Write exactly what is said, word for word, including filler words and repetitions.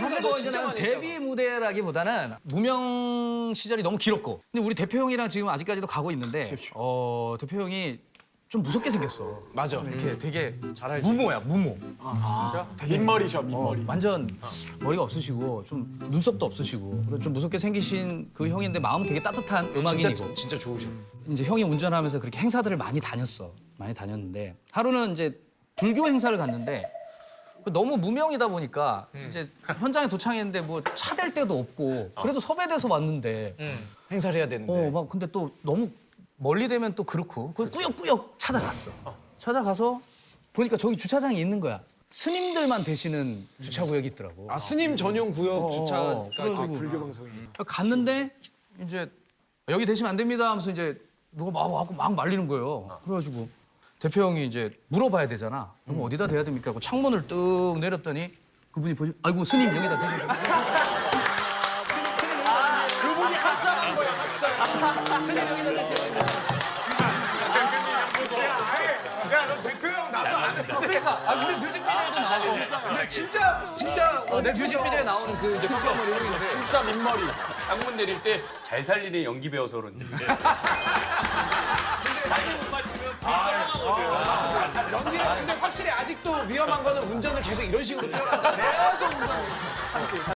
사실 뭐 이제는 데뷔 무대라기보다는 무명 시절이 너무 길었고 근데 우리 대표 형이랑 지금 아직까지도 가고 있는데 어 대표 형이 좀 무섭게 생겼어. 맞아. 좀 이렇게 되게 잘 알지. 무모야 무모. 진짜? 민머리셔, 민머리. 어, 완전 머리가 없으시고 좀 눈썹도 없으시고 그리고 좀 무섭게 생기신 그 형인데 마음은 되게 따뜻한 음악인이고 진짜, 진짜 좋으셔. 이제 형이 운전하면서 그렇게 행사들을 많이 다녔어. 많이 다녔는데 하루는 이제 불교 행사를 갔는데 너무 무명이다 보니까 이제 현장에 도착했는데 뭐 차 댈 데도 없고 그래도 섭외돼서 왔는데 행사를 해야 되는데. 어 막 근데 또 너무 멀리 되면 또 그렇고 그 꾸역꾸역 찾아갔어. 찾아가서 보니까 저기 주차장이 있는 거야. 스님들만 되시는 주차구역이 있더라고. 아, 스님 전용 구역 주차. 어, 그래가지고 불교 방송이. 갔는데 이제 여기 되시면 안 됩니다 하면서 이제 누가 막 와고 막 말리는 거예요. 그래가지고 대표 형이 이제 물어봐야 되잖아. 그럼 어디다 대야 됩니까? 하고 창문을 뚝 내렸더니 그분이 보시 아이고 스님 여기다 대세요. 그분이 합장한 거야, 합장. 스님 여기다 대세요. 야, 너 대표 형 나도 안 해. 그러니까 아, 우리 뮤직비디오에도 나오고 근데 진짜, 진짜. 어, 내 뮤직비디오에 나오는 그 이제 깜짝머리 형인데 진짜 민머리. 창문 내릴 때 잘 살리는 연기 배워서 그런지. 타이밍 못 맞추면 불쌍하거든. 연기는 근데 확실히 아직도 위험한 거는 운전을 계속 이런 식으로. 계속 운전.